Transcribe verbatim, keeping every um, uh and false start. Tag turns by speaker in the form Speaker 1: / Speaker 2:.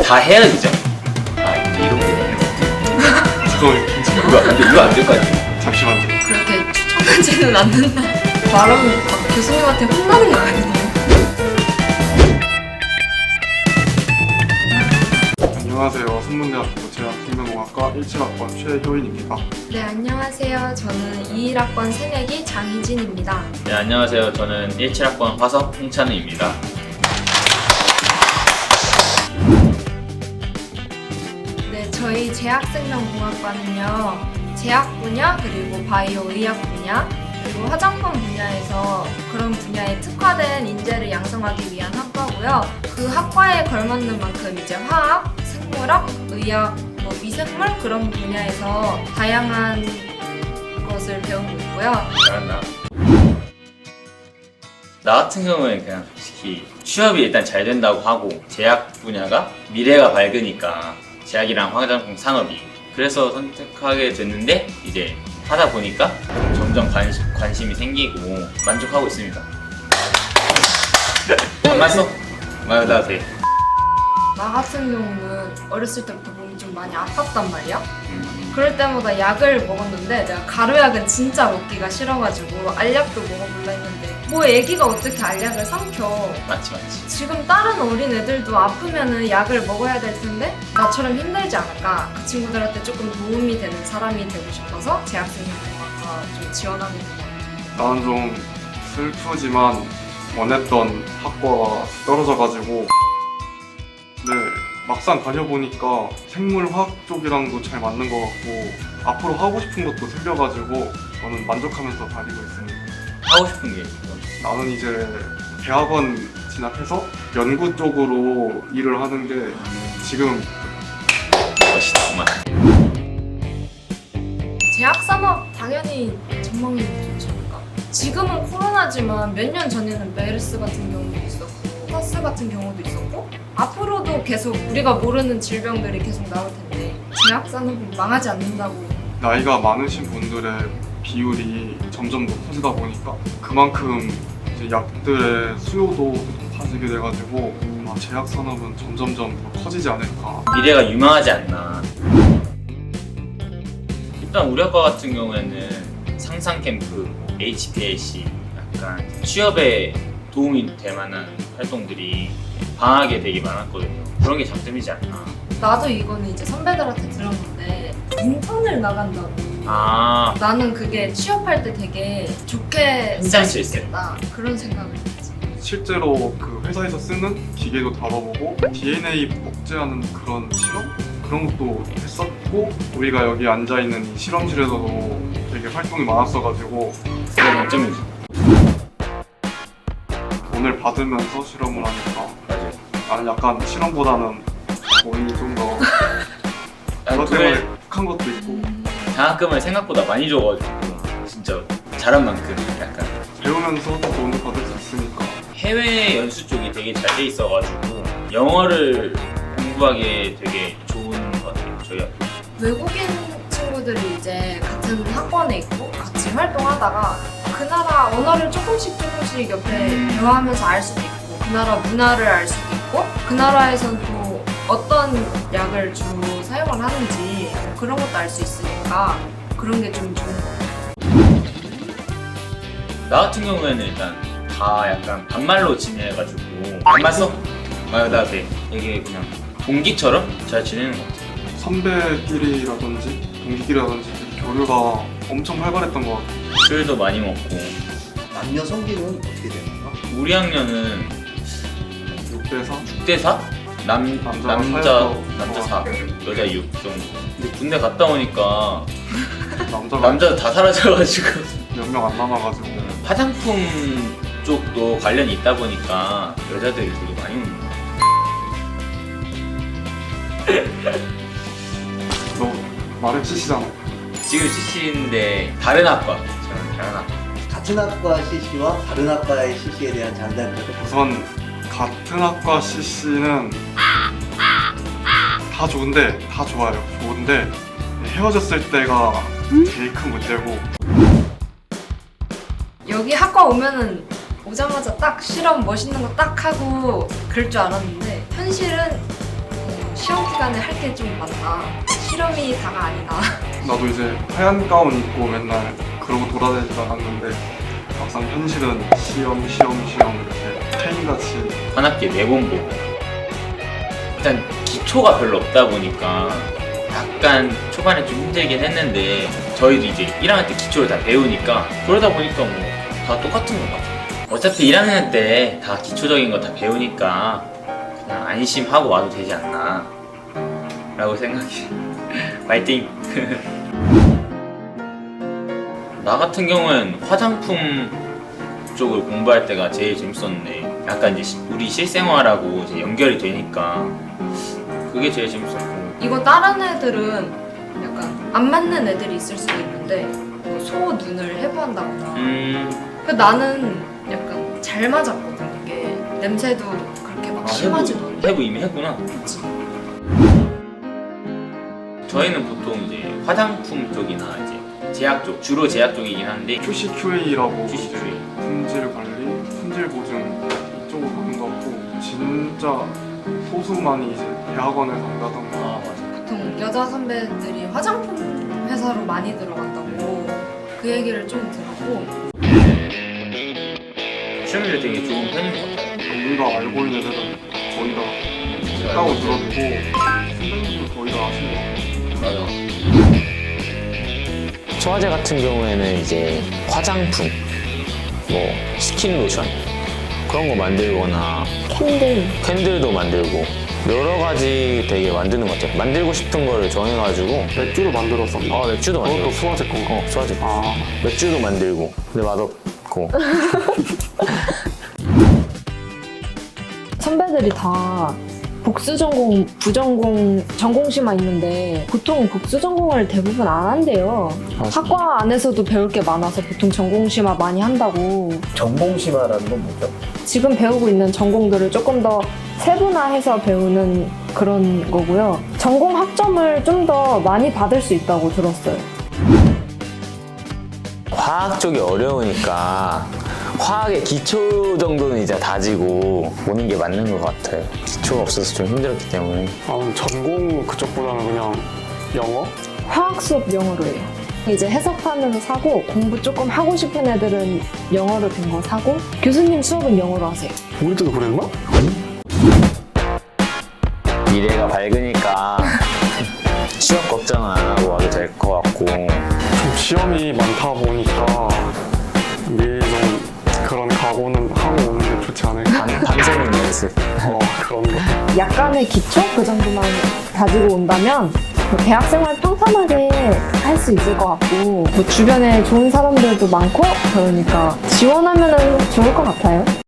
Speaker 1: 다 헤어지죠. 아 이제 이렇게 되는 거.
Speaker 2: 잠깐만 괜찮아.
Speaker 1: 이거 안 돼, 이거 안 될 것 같아.
Speaker 2: 잠시만요.
Speaker 3: 그렇게 추천하지는 않는다. 말하면 막 교수님한테 혼나는 거 아니에요?
Speaker 2: 안녕하세요. 선문대학교 제약생명공학과 십칠 학번 최효인입니다.
Speaker 3: 네, 안녕하세요. 저는 이십일 학번 새내기 장희진입니다.
Speaker 1: 네 안녕하세요. 저는 십칠 학번 화석 홍찬우입니다.
Speaker 3: 네, 저희 제약생명공학과는요. 제약 분야, 그리고 바이오 의학 분야, 그리고 화장품 분야에서 그런 분야에 특화된 인재를 양성하기 위한 학과고요. 그 학과에 걸맞는 만큼 이제 화학, 생물학, 의학, 뭐 미생물 그런 분야에서 다양한 것을 배우고 있고요.
Speaker 1: 잘한다. 나 같은 경우에는 그냥 솔직히 취업이 일단 잘 된다고 하고 제약 분야가 미래가 밝으니까 제약이랑 화장품 산업이 그래서 선택하게 됐는데 이제 하다 보니까 점점 관심, 관심이 생기고 만족하고 있습니다. 안 맞어? 맞아 돼.
Speaker 3: 나 같은 경우는 어렸을 때부터 몸이 좀 많이 아팠단 말이야.
Speaker 1: 음,
Speaker 3: 그럴 때마다 약을 먹었는데 내가 가루약은 진짜 먹기가 싫어가지고 알약도 먹어볼라 했는데 뭐 애기가 어떻게 알약을 삼켜.
Speaker 1: 맞지 맞지.
Speaker 3: 지금 다른 어린 애들도 아프면은 약을 먹어야 될 텐데 나처럼 힘들지 않을까. 그 친구들한테 조금 도움이 되는 사람이 되고 싶어서 제약생명공학과 좀 지원하게 된 것 같아요.
Speaker 2: 나는 좀 슬프지만 원했던 학과가 떨어져가지고 네 막상 다녀보니까 생물화학 쪽이랑도 잘 맞는 것 같고 앞으로 하고 싶은 것도 생겨가지고 저는 만족하면서 다니고 있습니다.
Speaker 1: 하고 싶은 게 있어.
Speaker 2: 나는 이제 대학원 진학해서 연구 쪽으로 일을 하는 게 지금
Speaker 1: 멋있다 정말.
Speaker 3: 제약산업 당연히 전망이 좋지 않을까. 지금은 코로나지만 몇 년 전에는 메르스 같은 경우도 있었고 사스 같은 경우도 있었고 앞으로도 계속 우리가 모르는 질병들이 계속 나올 텐데 제약산업이 망하지 않는다고.
Speaker 2: 나이가 많으신 분들의 비율이 점점 높아지다 보니까 그만큼 이제 약들의 수요도 높아지게 돼가지고 아마 제약 산업은 점점점 더 커지지 않을까.
Speaker 1: 미래가 유망하지 않나. 일단 우리 학과 같은 경우에는 상상 캠프, 에이치피엘씨 약간 취업에 도움이 될 만한 활동들이 방학에 되게 많았거든요. 그런 게 장점이지 않나.
Speaker 3: 나도 이거는 이제 선배들한테 들었는데 인턴을 나간다고.
Speaker 1: 아
Speaker 3: 나는 그게 취업할 때 되게 좋게 쓸 수
Speaker 1: 괜찮을 수
Speaker 3: 있겠다 그런 생각을 했지.
Speaker 2: 실제로 그 회사에서 쓰는 기계도 다뤄보고 디엔에이 복제하는 그런 실험? 그런 것도 했었고 우리가 여기 앉아있는 이 실험실에서도 되게 활동이 많았어가지고
Speaker 1: 그게 장점이지.
Speaker 2: 돈을 받으면서 실험을 하니까
Speaker 1: 맞아요.
Speaker 2: 나는 약간 실험보다는 돈이 좀더 그것 때문에 혹한 것도 있고
Speaker 1: 장학금을 생각보다 많이 줘가지고 진짜 잘한 만큼 약간
Speaker 2: 배우면서 또 돈을 받을 수 있으니까
Speaker 1: 해외 연수 쪽이 되게 잘 돼 있어가지고 영어를 공부하기에 되게 좋은 것 같아요. 저희 학교.
Speaker 3: 외국인 친구들이 이제 같은 학원에 있고 같이 활동하다가 그 나라 언어를 조금씩 조금씩 옆에 대화하면서 알 수도 있고 그 나라 문화를 알 수도 있고 그 나라에선 또 어떤 약을 주로 사용을 하는지 뭐 그런 것도 알 수 있으니까 그런 게 좀 좋은 것 같아요.
Speaker 1: 나 같은 경우에는 일단 다 약간 반말로 지내가지고 반말 써? 맞아 돼. 이게 그냥 동기처럼 잘 지내는 것 같아요.
Speaker 2: 선배끼리라든지 동기끼리라든지 교류가 엄청 활발했던 것 같아요.
Speaker 1: 술도 많이 먹고
Speaker 4: 남녀 성비는 어떻게 되나요?
Speaker 1: 우리 학년은
Speaker 2: 육 대 사?
Speaker 1: 육 대 사? 남,
Speaker 2: 남자가
Speaker 1: 남자,
Speaker 2: 사여서
Speaker 1: 남자 사, 여자 육 정도. 근데 군대 갔다 오니까
Speaker 2: 남자가
Speaker 1: 남자도 다 사라져가지고
Speaker 2: 몇 명 안 남아가지고
Speaker 1: 화장품 쪽도 관련이 있다 보니까 여자들이 되게 많이 오는 거야.
Speaker 2: 너 말을 치시잖아.
Speaker 1: 지금 씨씨인데 다른 학과. 저는 다른 학과.
Speaker 4: 같은 학과 씨씨와 다른 학과의 씨씨에 대한 장단점은
Speaker 2: 우선 같은 학과 씨씨는 다 좋은데 다 좋아요. 좋은데 헤어졌을 때가 제일 큰 문제고
Speaker 3: 여기 학과 오면은 오자마자 딱 실험 멋있는 거 딱 하고 그럴 줄 알았는데 현실은 어, 시험 기간에 할 게 좀 많다. 실험이 다가 아니다.
Speaker 2: 나도 이제 하얀 가운 입고 맨날 그러고 돌아다니지 않았는데 막상 현실은 시험 시험 시험 이렇게 페인같이
Speaker 1: 한 학기에 네 번 보고 일단 기초가 별로 없다 보니까 약간 초반에 좀 힘들긴 했는데 저희도 이제 일 학년 때 기초를 다 배우니까 그러다 보니까 뭐 다 똑같은 것 같아요. 어차피 일 학년 때 다 기초적인 거 다 배우니까 그냥 안심하고 와도 되지 않나 라고 생각해. 파이팅! 나 같은 경우는 화장품 쪽을 공부할 때가 제일 재밌었는데 약간 이제 시- 우리 실생활하고 이제 연결이 되니까 그게 제일 재밌었고
Speaker 3: 이거 다른 애들은 약간 안 맞는 애들이 있을 수도 있는데 뭐 소 눈을 해부한다거나
Speaker 1: 음...
Speaker 3: 그 나는 약간 잘 맞았거든. 이게 냄새도 그렇게 막
Speaker 1: 아,
Speaker 3: 심하지도
Speaker 1: 해부,
Speaker 3: 않고.
Speaker 1: 해부 이미 했구나.
Speaker 3: 그치.
Speaker 1: 저희는 보통 이제 화장품 쪽이나 이제 제약 쪽, 주로 제약 쪽이긴 한데
Speaker 2: 큐씨 큐에이라고 이제
Speaker 1: 큐씨큐에이.
Speaker 2: 품질 관리, 품질 보증 이쪽으로 가는 것 같고 진짜 소수만이 이제 대학원에 간다던가
Speaker 1: 아 맞아.
Speaker 3: 보통 여자 선배들이 화장품 회사로 많이 들어간다고 그 얘기를 좀 들었고
Speaker 1: 시험률이 되게 좋은 편인 것 같아요.
Speaker 2: 우리가 알고 있는 애들은 거의 다 했다고 들었고 선생님도 거의 다 아시는 것 같아요.
Speaker 1: 맞아.
Speaker 5: 소화제 같은 경우에는 이제 화장품, 뭐 스킨 로션 그런 거 만들거나
Speaker 6: 캔들.
Speaker 5: 캔들도 만들고 여러 가지 되게 만드는 것 같아요. 만들고 싶은 거를 정해가지고
Speaker 2: 맥주를 만들었었나?
Speaker 5: 어 맥주도
Speaker 2: 그것도
Speaker 5: 만들고
Speaker 2: 소화제 건가?
Speaker 5: 어 소화제
Speaker 2: 아
Speaker 5: 맥주도 만들고 근데 맛없고
Speaker 6: 선배들이 다 복수 전공, 부전공, 전공시만 있는데 보통 복수 전공을 대부분 안 한대요. 학과 안에서도 배울 게 많아서 보통 전공시만 많이 한다고.
Speaker 4: 전공심화라는 건 뭐죠?
Speaker 6: 지금 배우고 있는 전공들을 조금 더 세분화해서 배우는 그런 거고요. 전공 학점을 좀 더 많이 받을 수 있다고 들었어요.
Speaker 5: 화학 쪽이 어려우니까 화학의 기초 정도는 이제 다지고 오는 게 맞는 것 같아요. 기초가 없어서 좀 힘들었기 때문에.
Speaker 2: 나는 전공 그쪽보다는 그냥 영어?
Speaker 6: 화학 수업 영어로 해요. 이제 해석판으로 사고 공부 조금 하고 싶은 애들은 영어로 된 거 사고 교수님 수업은 영어로 하세요.
Speaker 2: 우리 때도 그랬나?
Speaker 5: 미래가 밝으니까 취업 걱정 안 하고 와도 될 것 같고
Speaker 2: 좀 시험이 많다 보니까 미리 좀 그런 각오는 하고 오는 게 좋지 않을까?
Speaker 5: 밤, 밤새는 연습.
Speaker 2: 어 그런 거.
Speaker 6: 약간의 기초 그 정도만 가지고 온다면 뭐 대학생활 또 편하게 할 수 있을 것 같고 뭐 주변에 좋은 사람들도 많고 그러니까 지원하면 좋을 것 같아요.